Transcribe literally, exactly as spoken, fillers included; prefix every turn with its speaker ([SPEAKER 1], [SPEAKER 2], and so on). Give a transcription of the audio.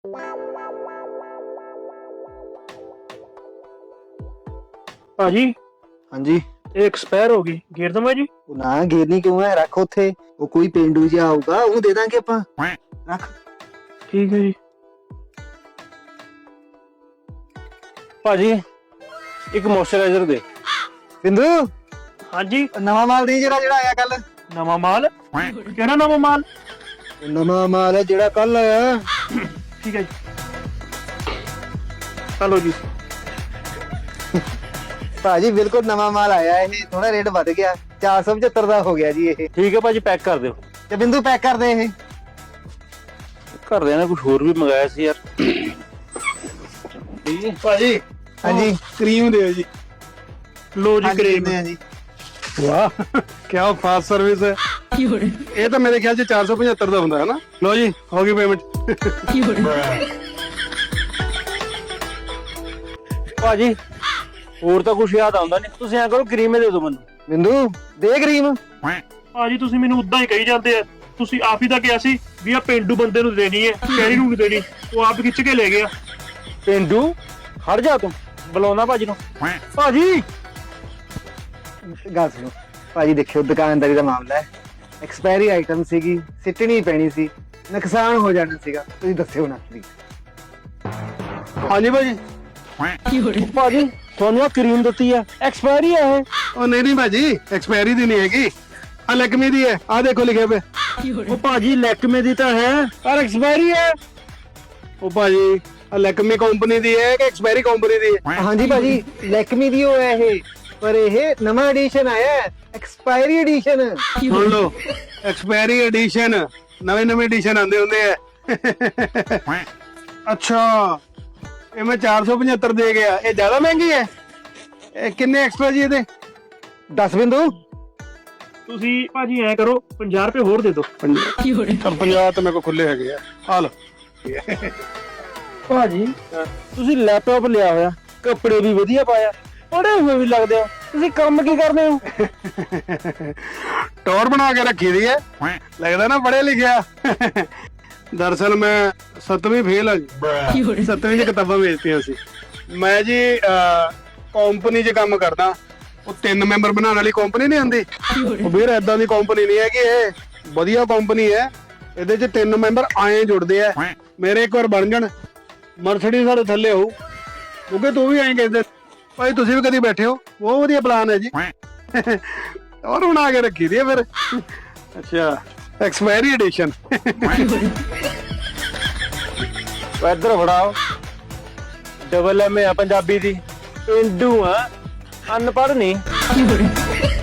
[SPEAKER 1] भाजी
[SPEAKER 2] हाँ जी
[SPEAKER 1] ये एक्सपायर होगी घेर दूं मैं जी
[SPEAKER 2] ना घेरनी क्यों है, रख उत्थे। वो कोई पेंडू जिहा आऊगा ਉਹਨੂੰ ਦੇ ਦਾਂਗੇ ਆਪਾਂ। रख
[SPEAKER 1] ठीक है जी। भाजी एक मॉइस्चराइजर दे।
[SPEAKER 2] बिंदु
[SPEAKER 1] हाँ जी
[SPEAKER 2] नवा माल नहीं जरा ਜਿਹੜਾ ਆਇਆ ਕੱਲ।
[SPEAKER 1] नवा माल केड़ा नवा माल?
[SPEAKER 2] ਨਵਾਂ ਮਾਲ ਹੈ ਜਿਹੜਾ ਕੱਲ ਆਇਆ।
[SPEAKER 1] ठीक है जी चलो जी।
[SPEAKER 2] ਭਾਜੀ ਬਿਲਕੁਲ ਨਵਾਂ ਮਾਲ ਆਇਆ ਇਹ, ਥੋੜਾ ਰੇਟ ਵੱਧ ਗਿਆ, ਚਾਰ ਸੌ ਪਝੱਤਰ ਦਾ ਹੋ ਗਿਆ ਜੀ ਇਹ।
[SPEAKER 1] ठीक है भाजी पैक कर दियो।
[SPEAKER 2] ਤੇ ਬਿੰਦੂ ਪੈਕ ਕਰ ਦੇ ਇਹ।
[SPEAKER 1] ਘਰਦਿਆਂ ਨੇ ਕੁਝ ਹੋਰ ਵੀ ਮੰਗਾਇਆ ਸੀ ਯਾਰ।
[SPEAKER 2] ਭਾਜੀ ਹਾਂਜੀ ਕਰੀਮ ਦਿਓ ਜੀ।
[SPEAKER 1] ਲੋ ਜੀ ਕਰੀਮ
[SPEAKER 2] ਹੈ ਜੀ।
[SPEAKER 3] ਵਾਹ ਕਿਆ ਫਾਸਟ ਸਰਵਿਸ ਹੈ। ਇਹ ਤਾਂ ਮੇਰੇ ਖਿਆਲ ਚ ਚਾਰ ਸੌ ਪਝੱਤਰ ਦਾ ਹੁੰਦਾ ਹੈ ਨਾ। ਲੋ ਜੀ ਹੋ ਗਈ ਪੇਮੈਂਟ।
[SPEAKER 1] ਭਾਜੀ ਹੋਰ ਤਾਂ ਕੁਝ ਯਾਦ ਆਉਂਦਾ ਨਹੀਂ, ਤੁਸੀਂ ਐਂ ਕਰੋ ਕਰੀਮ ਦੇ ਦਿਓ ਮੈਨੂੰ।
[SPEAKER 2] ਬਿੰਦੂ ਦੇ ਕਰੀਮ।
[SPEAKER 1] ਭਾਜੀ ਤੁਸੀਂ ਮੈਨੂੰ ਉਦਾਂ ਹੀ ਕਹੀ ਜਾਂਦੇ ਆ, ਤੁਸੀਂ ਆਪ ਹੀ ਤਾਂ ਕਿਹਾ ਸੀ ਵੀ ਆ ਪਿੰਡੂ ਬੰਦੇ ਨੂੰ ਦੇਣੀ ਹੈ, ਸ਼ਹਿਰੀ ਨੂੰ ਨਹੀਂ ਦੇਣੀ। ਉਹ ਆਪ ਖਿੱਚ ਕੇ ਲੈ ਗਿਆ। ਪਿੰਡੂ ਹਟ ਜਾ ਤੂੰ, ਬੁਲਾਉਣਾ ਭਾਜੀ ਨੂੰ। ਭਾਜੀ
[SPEAKER 2] ਗੱਲ ਸੁਣੋ ਭਾਜੀ, ਦੇਖਿਓ ਦੁਕਾਨਦਾਰੀ ਦਾ ਮਾਮਲਾ ਹੈ, ਐਕਸਪਾਇਰੀ ਆਈਟਮ ਸੀਗੀ, ਸਿੱਟਣੀ ਪੈਣੀ ਸੀ, ਨੁਕਸਾਨ ਹੋ ਜਾਣਾ ਸੀਗਾ, ਤੁਸੀਂ ਦੱਸਿਓ ਨਾ ਪਲੀਜ਼।
[SPEAKER 3] ਹਾਂਜੀ ਭਾਜੀ।
[SPEAKER 1] ਭਾਜੀ ਤੁਹਾਨੂੰ ਕਰੀਮ ਦਿੱਤੀ ਆ, ਐਕਸਪਾਇਰੀ ਹੈ ਇਹ।
[SPEAKER 3] ਉਹ ਨਹੀਂ ਨਹੀਂ ਭਾਜੀ ਐਕਸਪਾਇਰੀ ਦੀ ਨਹੀਂ ਹੈਗੀ, ਆ ਲੈਕਮੀ ਦੀ ਹੈ, ਆ ਦੇਖੋ ਲਿਖਿਆ ਪਿਆ।
[SPEAKER 1] ਉਹ ਭਾਜੀ ਲੈਕਮੇ ਦੀ ਤਾਂ ਹੈ ਪਰ ਐਕਸਪਾਇਰੀ ਹੈ।
[SPEAKER 3] ਉਹ ਭਾਜੀ ਆ ਲੈਕਮੀ ਕੰਪਨੀ ਦੀ ਹੈ ਕਿ ਐਕਸਪਾਇਰੀ ਕੰਪਨੀ ਦੀ ਹੈ?
[SPEAKER 2] ਹਾਂਜੀ ਭਾਜੀ ਲੈਕਮੀ ਦੀ ਉਹ ਹੈ ਇਹ, ਪਰ ਇਹ ਨਵਾਂ ਐਡੀਸ਼ਨ ਆਇਆ ਹੈ, ਐਕਸਪਾਇਰੀ ਐਡੀਸ਼ਨ।
[SPEAKER 3] ਸੁਣ ਲਓ ਐਕਸਪਾਇਰੀ ਐਡੀਸ਼ਨ, ਨਵੇਂ ਨਵੇਂ ਐਡੀਸ਼ਨ ਆਉਂਦੇ ਹੁੰਦੇ ਆ। ਅੱਛਾ ਇਹ ਮੈਂ ਚਾਰ ਸੌ ਪਝੱਤਰ ਦੇ ਗਿਆ, ਇਹ ਜ਼ਿਆਦਾ ਮਹਿੰਗੀ ਹੈ। ਇਹ ਕਿੰਨੇ ਐਕਸਟਰਾ ਜੀ ਇਹਦੇ?
[SPEAKER 2] ਦਸ ਬਿੰਦੂ।
[SPEAKER 1] ਤੁਸੀਂ ਭਾਜੀ ਐ ਕਰੋ ਪੰਜਾਹ ਰੁਪਏ ਹੋਰ ਦੇ ਦਿਓ।
[SPEAKER 3] ਚੱਲ ਪੰਜਾਹ ਤਾਂ ਮੇਰੇ ਕੋਲ ਖੁੱਲੇ ਹੈਗੇ ਆ, ਆ ਲਓ।
[SPEAKER 1] ਭਾਜੀ ਤੁਸੀਂ ਲੈਪਟਾਪ ਲਿਆ ਹੋਇਆ, ਕੱਪੜੇ ਵੀ ਵਧੀਆ ਪਾਇਆ, ਪੜੇ ਹੋਏ ਵੀ ਲੱਗਦੇ ਹੋ, ਤੁਸੀਂ ਕੰਮ ਕੀ ਕਰਦੇ ਹੋ?
[SPEAKER 3] ਟੌਰ ਬਣਾ ਕੇ ਰੱਖੀ ਦੀ ਹੈ, ਲੱਗਦਾ ਨਾ ਪੜ੍ਹੇ ਲਿਖਿਆ। ਦਰਅਸਲ ਮੈਂ ਸੱਤਵੀਂ ਫੇਲ ਆ ਜੀ, ਸੱਤਵੀਂ ਦੀ ਕਿਤਾਬਾਂ ਵੇਚਤੀਆਂ ਸੀ ਮੈਂ ਜੀ। ਕੰਪਨੀ 'ਚ ਕੰਮ ਕਰਦਾ, ਉਹ ਤਿੰਨ ਮੈਂਬਰ ਬਣਾਉਣ ਵਾਲੀ ਕੰਪਨੀ ਨਹੀਂ ਆਉਂਦੀ, ਉਹ ਵੀਰ ਏਦਾਂ ਦੀ ਕੰਪਨੀ ਨਹੀਂ ਹੈਗੀ, ਇਹ ਵਧੀਆ ਕੰਪਨੀ ਹੈ। ਇਹਦੇ 'ਚ ਤਿੰਨ ਮੈਂਬਰ ਆਏ ਜੁੜਦੇ ਆ, ਮੇਰੇ ਇੱਕ ਵਾਰ ਬਣ ਜਾਣ ਮਰਸਡੀਜ਼ ਸਾਡੇ ਥੱਲੇ ਹੋਊ, ਕਿਉਂਕਿ ਤੂੰ ਵੀ ਆਏ ਕਹਿੰਦੇ ਭਾਈ, ਤੁਸੀਂ ਵੀ ਕਦੀ ਬੈਠੇ ਹੋ, ਬਹੁਤ ਵਧੀਆ ਪਲਾਨ ਹੈ ਜੀ। ਔਰ ਬਣਾ ਕੇ ਰੱਖੀ ਦੀ ਹੈ ਫਿਰ। ਅੱਛਾ ਐਕਸਪਾਇਰੀ ਐਡੀਸ਼ਨ।
[SPEAKER 1] ਇੱਧਰ ਫੜਾਓ, ਡਬਲ ਐਮ ਆ ਪੰਜਾਬੀ ਦੀ, ਪਿੰਡੂ ਆ, ਅਨਪੜ੍ਹ ਨਹੀਂ।